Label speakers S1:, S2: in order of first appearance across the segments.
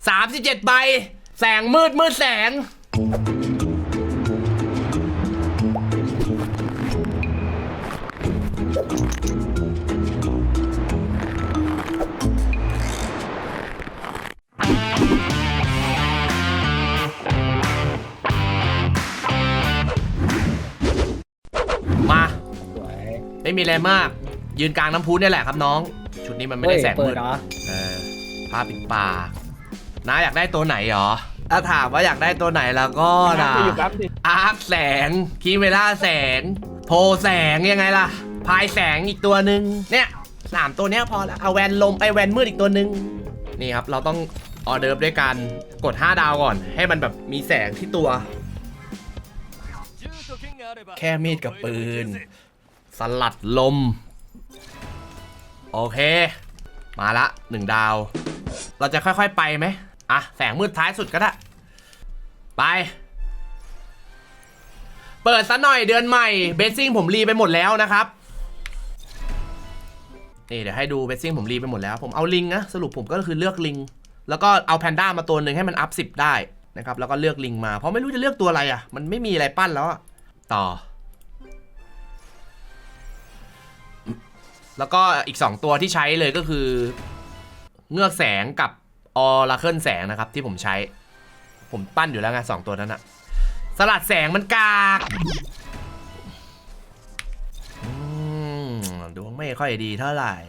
S1: 37ใบแสงมืดแสงมาไม่มีอะไรมากยืนกลางน้ำพุเนี่ยแหละครับน้องชุดนี้มันไม่ได้แสงมืดผ้าปิดปากน้าอยากได้ตัวไหนหรอถ้าถามว่าอยากได้ตัวไหนแล้วก็นะอาร์คแสงคีเมล่าแสงโพแสงยังไงล่ะพายแสงอีกตัวหนึ่งเนี่ย3ตัวเนี้ยพอแล้วเอาแวนลมไอแวนมืดอีกตัวหนึ่งนี่ครับเราต้องออเดิร์ฟด้วยการกด5ดาวก่อนให้มันแบบมีแสงที่ตัวแค่มีดกับปืนสลัดลมโอเคมาละ1ดาวเราจะค่อยๆไปไหมอ่ะแสงมืดท้ายสุดก็ได้ไปเปิดซะหน่อยเดือนใหม่เบสซิ่งผมรีไปหมดแล้วนะครับนี่เดี๋ยวให้ดูเบสซิ่งผมรีไปหมดแล้วผมเอาลิงนะสรุปผมก็คือเลือกลิงแล้วก็เอาแพนด้ามาตัวหนึ่งให้มันอัพ10ได้นะครับแล้วก็เลือกลิงมาเพราะไม่รู้จะเลือกตัวอะไรอ่ะมันไม่มีอะไรปั้นแล้วต่อแล้วก็อีก2ตัวที่ใช้เลยก็คือเงือกแสงกับออราเคิลแสงนะครับที่ผมใช้ผมปั้นอยู่แล้วไง2ตัวนั้นอะสลัดแสงมันกากดวงไม่ค่อยดีเท่าไหร่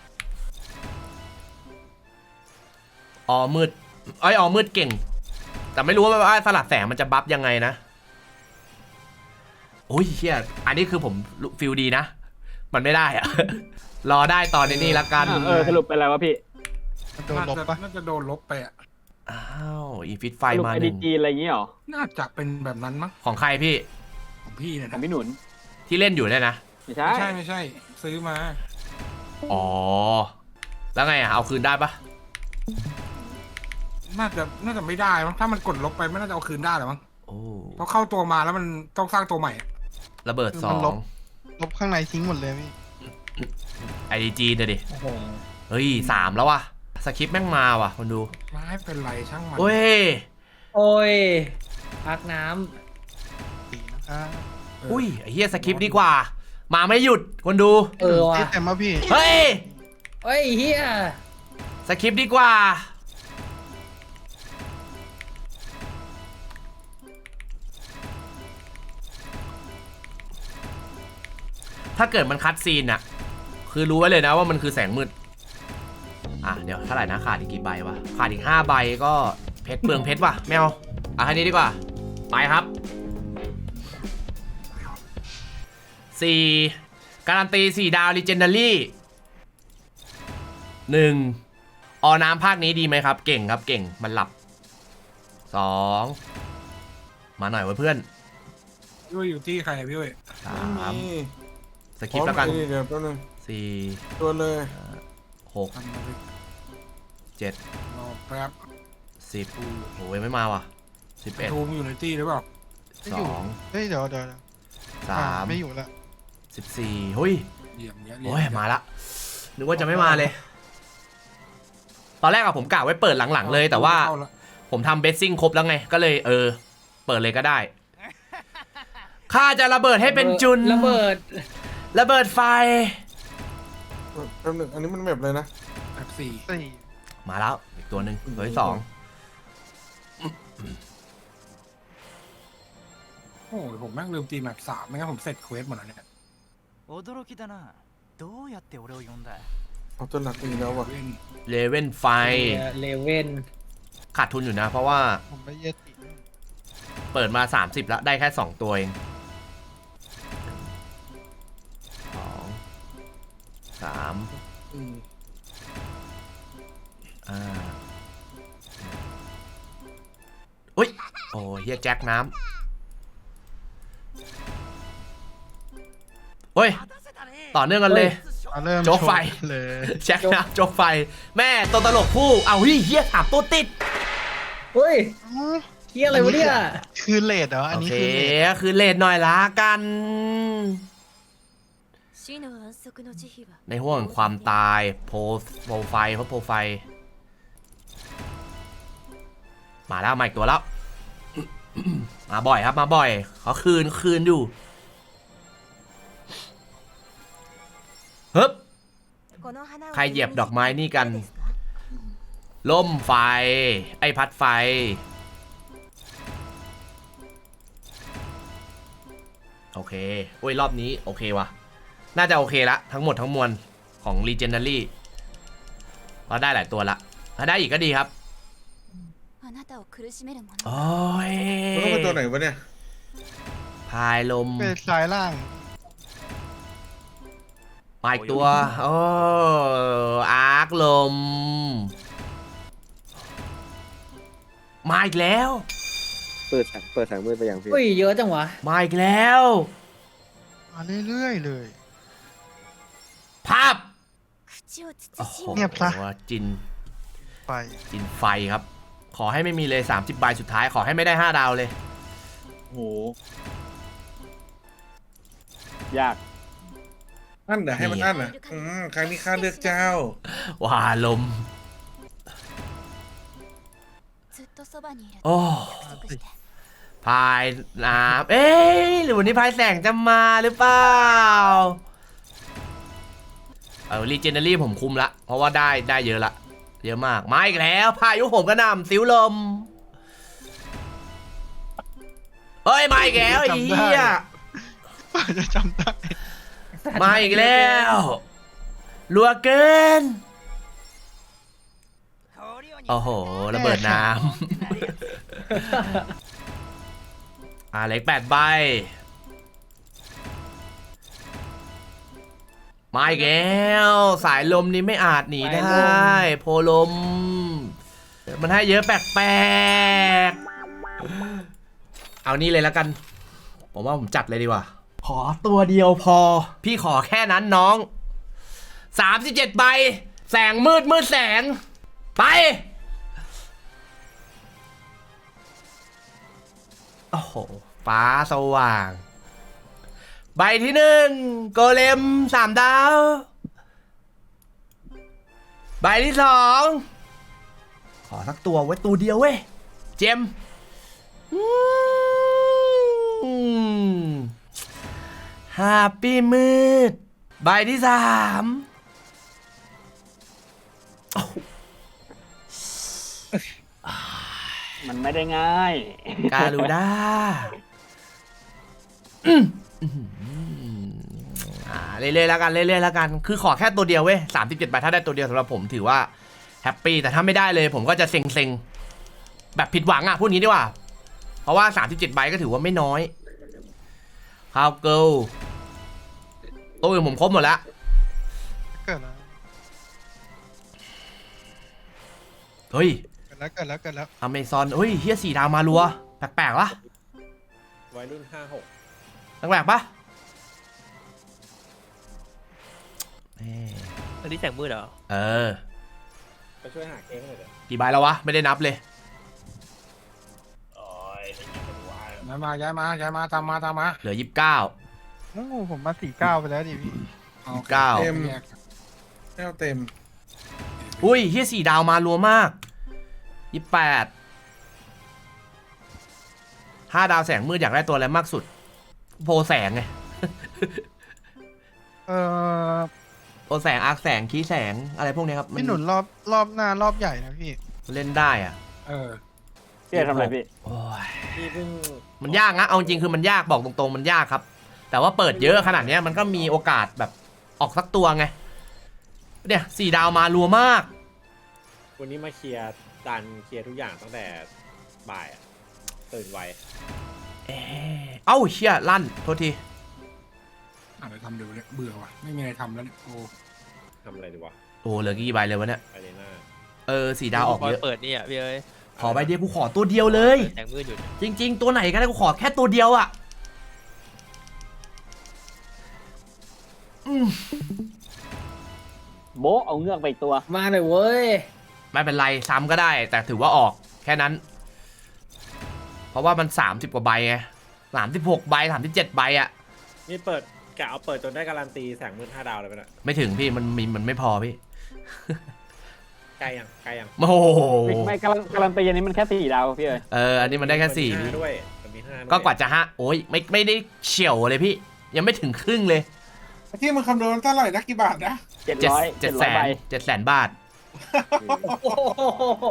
S1: ออมืดออมืดเก่งแต่ไม่รู้ว่าสลัดแสงมันจะบัฟยังไงนะโอ้ยเฮียอันนี้คือผมฟิลดีนะมันไม่ได้อะรอได้ตอนนี้ละกัน
S2: สรุปเป็นอะไรวะพี่
S3: โดนลบปะ
S4: น่าจะโดนลบไปอ่ะ
S1: อ้าวอีฟิตไฟมา
S2: หนึ่งอะไรอย่างงี้หรอ
S4: น่าจะเป็นแบบนั้นมั้ง
S1: ของใครพี่
S4: ของพี่เนี่ย
S2: ของพี่หนุน
S1: ที่เล่นอยู่เนี่ยนะ
S2: ไม่ใช่
S4: ไม่ใช่ซื้อมา
S1: อ๋อแล้วไงเอาคืนได้ปะ
S4: น่าจะไม่ได้มั้งถ้ามันกดลบไปไม่น่าจะเอาคืนได้หรอมั้ง
S1: โอ้
S4: เพราะเข้าตัวมาแล้วมันต้องสร้างตัวใหม่
S1: ระเบิด
S3: 2ลบข้างในทิ้งหมดเลยพี่
S1: IDG เดี๋ยวดิเฮ้ย3แล้ววะสคริปต์แม่งมาว่ะคนดู
S4: ไม่เป็นไรช่างมัน
S1: โอ้
S2: ยพักน้
S1: ำอุ้ยไอ้เหี้ยสคริปต์ดีกว่ามาไม่หยุดคนดู
S3: ว่ะแต่มาพี่
S1: เฮ้ย
S2: เฮีย
S1: สคริปต์ดีกว่าถ้าเกิดมันคัดซีนอะคือรู้ไว้เลยนะว่ามันคือแสงมืดเดี๋ยวเท่าไหร่นะขาดอีกกี่ใบวะขาดอีก5ใบก็เพชรเปลืองเพชรว่ะแมวแค่นี้ดีกว่าไปครับ4การันตี4ดาว Legendary 1อน้ำภาคนี้ดีไหมครับเก่งครับเก่งมันหลับ2มาหน่อยเพื่อน
S4: พี่อยู่ที่ใครพี่
S1: 3สกิปแล้วกัน
S4: เดี๋ยวแป๊บนึง4ตัวเลย
S1: 6 7
S4: รอแป๊บ
S1: 10โอ้ยไม่มาว่ะ11
S4: ทูมอยู่ในตี้หรือเปล่า
S1: 2
S3: เฮ้ยเดี๋ยว
S1: 3
S3: ไม่อยู่ละ
S1: 14เฮ้ยโอ้ยมาละนึกว่าจะไม่มาเลยตอนแรกผมกะไว้เปิดหลังๆเลยแต่ว่าผมทำเบสซิ่งครบแล้วไงก็เลยเปิดเลยก็ได้ข้าจะระเบิดให้เป็นจุนระเบิดไฟ
S4: แป๊บนึงอันนี้มันแบบเลยนะแบบ4
S1: มาแล้วอีกตัวหนึ่งตัวที่2
S4: โอ้ยผมแม่งลืมตีแบบ3ไม่งั้นผมเสร็จเควสหมดแล้วเนี่ยเอาตัวหนักอีกแล้วว่ะ
S1: เลเว่นไฟขาดทุนอยู่นะเพราะว่า
S3: ผมไม่เย็ด
S1: เปิดมา30แล้วได้แค่2ตัวเอง2 3อุ้ยโอ้เฮียแจ็คน้ำเฮ้ยต่อเนื่องกันเลยโจ๊กไฟแจ็คน้ำโจ๊กไฟแม่ตัวตลกผู้เอาเฮียถามตัวติด
S2: เฮ้ยเฮียอะไรวะเนี่ย
S3: คือเลดเหรออันนี้
S1: คือเลดหน่อยละกันในห้วงความตายโปรไฟล์มาแล้วมาอีกตัวแล้ว มาบ่อยครับมาบ่อยเขาคืนอยู่ฮึบใครเหยียบดอกไม้นี่กันล่มไฟไอ้พัดไฟโอเคโอ้ยรอบนี้โอเควะน่าจะโอเคละทั้งหมดทั้งมวลของ Legendary เราได้หลายตัวละถ้าได้อีกก็ดีครับโอ้ย
S5: มันต้องเป็นตัวไหนวะเนี่ย
S1: พายลม
S3: เป็นสายล่าง
S1: มาอีกตัวโอ้อาร์คลมมาอีกแล้ว
S6: เปิดแสงมืดไปอย่างพี่
S2: อุ้ยเยอะจังวะ
S1: มาอีกแล้ว
S3: มาเรื่อยๆเลย
S1: ภาพโอ้โห
S3: เงียบซะ
S1: จิน
S3: ไป
S1: จินไฟครับ ขอให้ไม่มีเลย30ใบสุดท้ายขอให้ไม่ได้5ดาวเลย
S6: โห
S2: ยาก
S5: อันเดี๋ยวให้มันอันอ่ะครั้งนี้ข้าเลือกเจ้า
S1: ว่าลมโอ้พายน้ำเอ๊ะหรือวันนี้พายแสงจะมาหรือเปล่าLegendary ผมคุมละเพราะว่าได้เยอะละเยอะมากมาอีกแล้วพายุผมกระหน่ำสิวลมเฮ้ยมาอีกแล้วไอ้เหี้ย
S3: จะจำได้
S1: มาอีกแล้วรัวเกินโอ้โหระเบิดน้ำ เล็ก8ใบมาอีกแล้วสายลมนี้ไม่อาจหนีได้โพลมมันให้เยอะแปลกๆเอานี่เลยแล้วกันผมว่าผมจัดเลยดีกว่าขอตัวเดียวพอพี่ขอแค่นั้นน้อง37ใบแสงมืดแสงไปโอ้โหฟ้าสว่างใบที่1โกเลม3ดาวใบที่2ขอสักตัวไว้ตัวเดียวเว้ยเจมฮาปปี้มืดใบที่3
S2: มันไม่ได้ง่าย
S1: การูด้าเรื่อยๆแล้วกันเรื่อยๆแล้วกันคือขอแค่ตัวเดียวเว้ย37ใบถ้าได้ตัวเดียวสำหรับผมถือว่าแฮปปี้แต่ถ้าไม่ได้เลยผมก็จะเซ็งๆแบบผิดหวังอ่ะพูดงี้ดีกว่าเพราะว่า37ใบก็ถือว่าไม่น้อยฮาวเกิลตัวอื่นผมครบหมดแล้ว
S3: เกิดแล้ว
S1: เฮ้ย
S3: เกิดแล้ว
S1: อเมซอนเฮ้ยเฮีย4 ดาวมารัวแปลกๆวะ
S6: วัยรุ่น56
S1: แปลกๆปะ
S7: อันนี้แสงมืดเหรอ
S1: เออ
S6: ไปช่วยหาเค้กหน่อยเถอะ
S1: กี่ใบแล้ววะไม่ได้นับเลย
S6: โอ้ยไม่อยากเป็นวาย
S4: ย้ายมาตามมา
S1: เหลือ29
S3: โอ้โหผมมา49ไปแล้วดิพี่
S4: โอค
S1: เก้า
S5: เต็ม
S4: แยก
S5: แก้วเต็ม
S1: อุ้ยเฮีย4 ดาวมารัวมาก28 5 ดาวแสงมืดอยากได้ตัวอะไรมากสุดโพแสงไง โพแสงอาร์คแสงคีแสงอะไรพวกนี้ครับ
S3: พี่หนุนรอบหน้ารอบใหญ่นะพี่
S1: เล่นได้อ่ะ
S2: พี่ทำอะไรพี่
S1: โอ้ย
S6: พี่เพิ่ง
S1: มันยากนะเอาจริงคือมันยากบอกตรงๆมันยากครับ แต่ว่าเปิดเยอะขนาดเนี้ยมันก็มีโอกาสแบบออกสักตัวไงเนี่ย4 ดาวมารัวมาก
S6: วันนี้มาเคลียร์เคลียร์ทุกอย่างตั้งแต่บ่ายอะตื่นไว
S1: เอ้าเชี่ยลั่นโทษที
S4: อะไรทำเดี๋ยวเนี่ยเบื่อว่ะไม่มีอะไรทำแล้วเนี่ยโอ้
S6: ทำอะไรดีวะ
S1: โอ้เหลือกี่ใบเลยวะเนี่ย
S6: ไปเลยหน้า
S1: 4 ดาวออกเยอะ
S7: เปิดนี่อ่ะพี่เอ้ย
S1: ขอใบเดียวกูขอตัวเดียวเลย
S7: แสงมืดอยู่
S1: จริงๆ ตัวไหนก็ได้กูขอแค่ตัวเดียวอ่ะ
S2: โบะเอาเงือกไปอีกตัว มาเลยเว้ย
S1: ไม่เป็นไรซ้ำก็ได้ แต่ถือว่าออกแค่นั้น เพราะว่ามัน30 กว่าใบไง36 ใบ37 ใบอ่ะ
S6: นี่เปิดกะเอาเปิดจนได้การันตีแสงมืด5 ดาวเลยไปนะ
S1: ไม่ถึงพี่มันไม่พอพี่
S6: ใกล้ยัง
S1: โอ้โห
S2: ไม่การันตีอันนี้มันแค่4 ดาวพี่เอ้ย
S1: อันนี้มันได้แค่4
S6: มี
S1: พี่
S6: 5ด้วยมันมี5ด้วย
S1: ก็กว่าจะโอ้ยไม่ได้เฉียวเลยพี่ ยังไม่ถึงครึ่งเลย
S5: ที่มึงคำนวณเท่าไหร่นะกี่บาทนะ
S2: 700 ใบ
S1: 700,000 บาท
S7: โอ้โห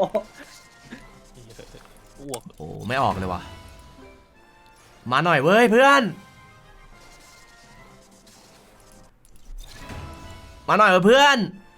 S8: อ้วก
S1: โอ้ไม่ออกเลยว่ะ มาหน่อยเว้ยเพื่อน มาหน่อยเว้ยเพื่อน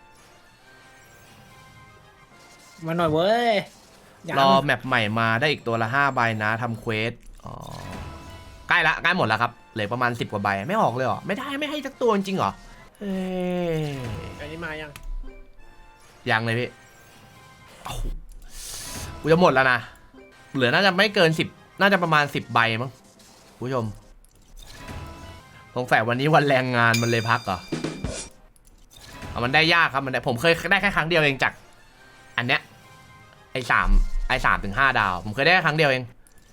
S7: มาหน่อยเว้ยยัง
S1: รอแมปใหม่มาได้อีกตัวละ5 ใบนะทำเควสอ๋อใกล้หมดแล้วครับเหลือประมาณ10 กว่าใบไม่ออกเลยเหรอไม่ได้ไม่ให้สักตัวจริงเหรอเอ้ย
S6: อันนี้มายัง
S1: ยังเลยพี่โอ้โหกูจะหมดแล้วนะเหลือน่าจะไม่เกิน10น่าจะประมาณ10 ใบมั้งผู้ชมสงสัยวันนี้วันแรงงานมันเลยพักเหรอมันได้ยากครับผมเคยได้แค่ครั้งเดียวเองจากอันเนี้ยไอ้3 ถึง 5 ดาวผมเคยได้แค่ครั้งเดียวเอง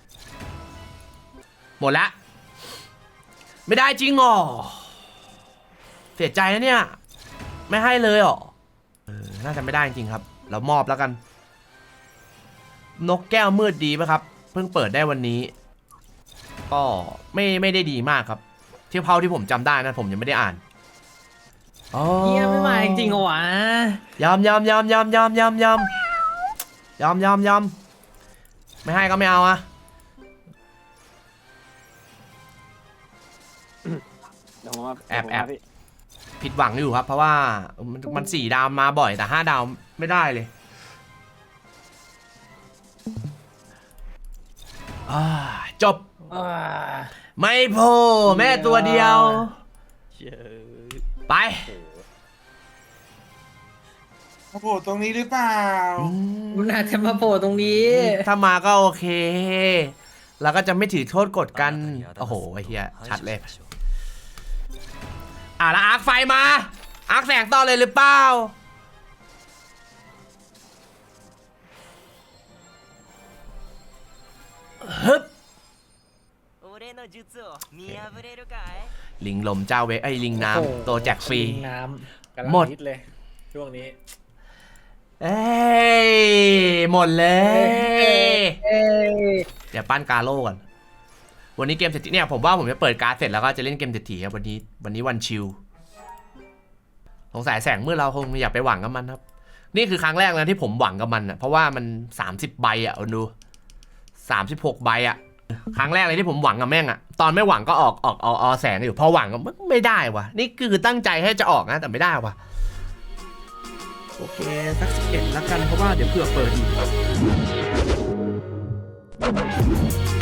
S1: หมดละไม่ได้จริงหรอเสียใจนะเนี่ยไม่ให้เลยหรอน่าจะไม่ได้จริงครับเรามอบแล้วกันนกแก้วมืดดีไหมครับเพิ่งเปิดได้วันนี้ก็ไม่ได้ดีมากครับที่เท่าที่ผมจำได้นะผมยังไม่ได้อ่าน
S7: เฮียไม่มาจริงๆเหรอวะ
S1: ยอมไม่ให้ก็ไม่เอาอะ
S2: เดี๋ยวผมมา
S1: แอบ
S2: พี่
S1: ผิดหวังอยู่ครับ เพราะว่ามัน4 ดาวมาบ่อยแต่5 ดาวไม่ได้เลยจบ
S7: อ่า
S1: ไม่พอแม่ตัวเดียว
S8: เชี่ย
S1: ไป
S5: มาโผล่ตรงนี้หรือเปล่า
S7: มันอาจจะมาโผล่ตรงนี้
S1: ถ้ามาก็โอเคเราก็จะไม่ถือโทษกดกันโอ้โหไอ้เหี้ยชัดเลยแล้วอาร์คไฟมาอาร์คแสงต่อเลยหรือเปล่าฮึบลิงลมเจ้าเวไอ้ลิงน้
S7: โอ้โห
S1: ำตัวแจกฟรี
S7: น้
S6: กำลัง
S1: หมด
S6: ฮิตเลยช่วงนี้
S1: เอ้ยหมดเลย
S7: เอ้ย
S1: เดี๋ยวปั้นกาโร่ก่อนวันนี้เกมเศรษฐีเนี่ยผมว่าผมจะเปิดการ์ดเสร็จแล้วก็จะเล่นเกมเศรษฐีครับวันนี้วันชิลสงสัยแสงมืดเราคงอยากไปหวังกับมันครับนี่คือครั้งแรกนะที่ผมหวังกับมันอ่ะเพราะว่ามัน30 ใบอ่ะดู36 ใบอ่ะครั้งแรกเลยที่ผมหวังกับแม่งอ่ะตอนไม่หวังก็ออกแสงอยู่พอหวังก็ไม่ได้วะนี่คือตั้งใจให้จะออกนะแต่ไม่ได้วะโอเคสัก11แล้วกันเพราะว่าเดี๋ยวเผื่อเปิดอีก